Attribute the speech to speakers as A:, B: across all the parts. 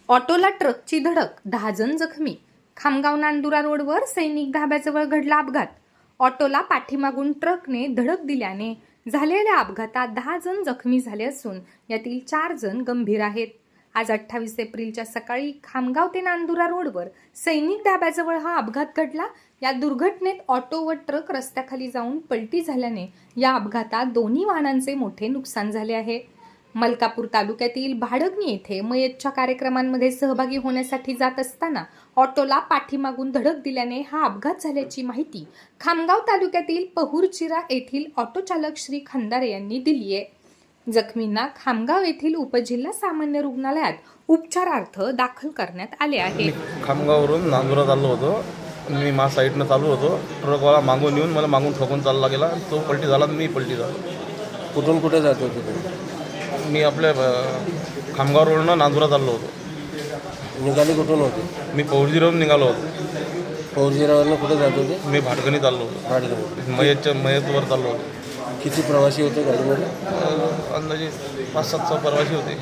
A: ऑटोला ट्रकची धडक, 10 जण जखमी. खामगाव नांदुरा रोडवर सैनिक धाब्याजवळ घडला अपघात. ऑटोला पाठीमागून ट्रकने धडक दिल्याने झालेल्या अपघातात 10 जण जखमी झाले असून यातील 4 जण गंभीर आहेत. आज 28 एप्रिलच्या सकाळी खामगाव ते नांदुरा रोडवर सैनिक धाब्याजवळ हा अपघात घडला. या दुर्घटनेत ऑटो व ट्रक रस्त्याखाली जाऊन पलटी झाल्याने या अपघातात दोन्ही वाहनांचे मोठे नुकसान झाले आहे. मलकापूर तालुक्यातील भाडगणी येथे मयतच्या कार्यक्रमांमध्ये सहभागी होण्यासाठी जात असताना ऑटोला पाठीमागून धडक दिल्याने हा अपघात झाल्याची माहिती खामगाव तालुक्यातील पहुरचिरा येथील ऑटो चालक श्री खंदारे यांनी दिली आहे. जखमींना खामगाव येथील उपजिल्हा सामान्य रुग्णालयात उपचारार्थ दाखल करण्यात आले आहे.
B: खामगाववरून नांदुरा चाललो होतो. मी मा साईडनं चालू होतो. ट्रकवाला मागून येऊन मला मागून ठोकून चालला गेला. तो पलटी झाला, मी पलटी झालो.
C: कुठून कुठे जात होते?
B: मी आपल्या खामगाव रोडनं नांदुरा चाललो होतो.
C: निघाले कुठून होते?
B: मी पौर्जीवरून निघालो होतो.
C: पौर्जीरावरनं कुठे जात होते?
B: मी भाटगणी चाललो होतो.
C: गाडीवर
B: मयतवर चाललो होतो.
C: किती प्रवासी होते गाडीमध्ये?
B: अंदाजे 5-7 प्रवासी होते.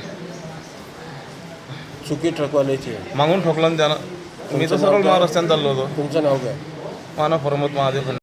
C: चुकी ट्रकवाल्याची.
B: मागून ठोकला ना त्यानं. मी तर सरळ रस्त्यानं चाललो होतो.
C: तुमचं नाव काय?
B: माना फरमत महादेव.